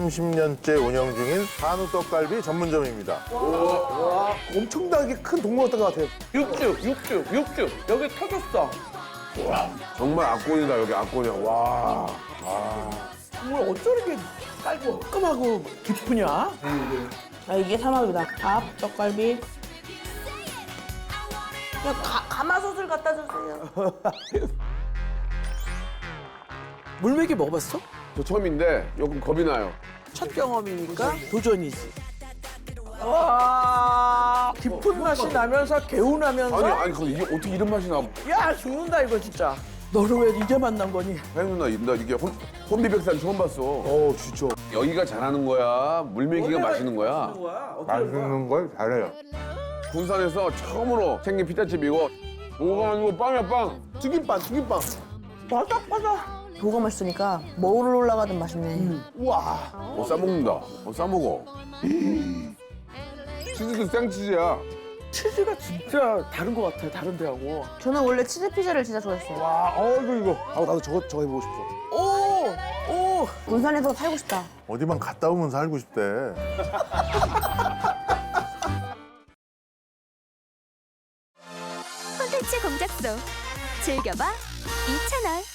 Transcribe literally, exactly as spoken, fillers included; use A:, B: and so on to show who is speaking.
A: 삼십 년째 운영 중인 한우 떡갈비 전문점입니다.
B: 와, 엄청나게 큰 동물원던 것 같아요.
C: 육즙, 육즙, 육즙. 여기 터졌어.
D: 정말 압권이다 여기 압권이야. 와.
C: 정말 어쩜 이렇게 깔고 깔끔하고 깊으냐?
E: 아, 이게 삼합이다. 밥, 떡갈비. 그냥 가, 가마솥을 갖다 주세요.
C: 물메기 먹어봤어?
D: 저 처음인데 조금 겁이 나요.
C: 첫 경험이니까 도전이지. 와, 깊은 맛이 나면서 개운하면서.
D: 아니 아니 근데 이게 어떻게 이런 맛이 나?
C: 야, 죽는다 이거 진짜. 너를 왜 이제 만난 거니?
D: 혜영 누나 나 이게 혼, 혼비백산 처음 봤어.
B: 어, 진짜.
D: 여기가 잘하는 거야? 물메기가 맛있는 거야?
A: 맛있는 걸 잘해요.
D: 군산에서 처음으로 생긴 피자집이고 뭐가 아니고 빵이야 빵.
B: 튀김빵, 튀김빵.
C: 바삭바삭.
E: 뭐가 맛있으니까 뭐를 올라가든 맛있네.
B: 우와.
D: 어 싸먹는다. 어 싸먹어. 치즈도 생치즈야.
C: 치즈가 진짜 다른 것 같아, 다른 데하고.
E: 저는 원래 치즈 피자를 진짜 좋아했어요.
B: 와, 어이구, 이거. 아, 나도 저거, 저거 해보고 싶어.
C: 오! 오!
E: 군산에서 살고 싶다.
A: 어디만 갔다 오면 살고 싶대.
F: 콘텐츠 공작소 즐겨봐 이 채널.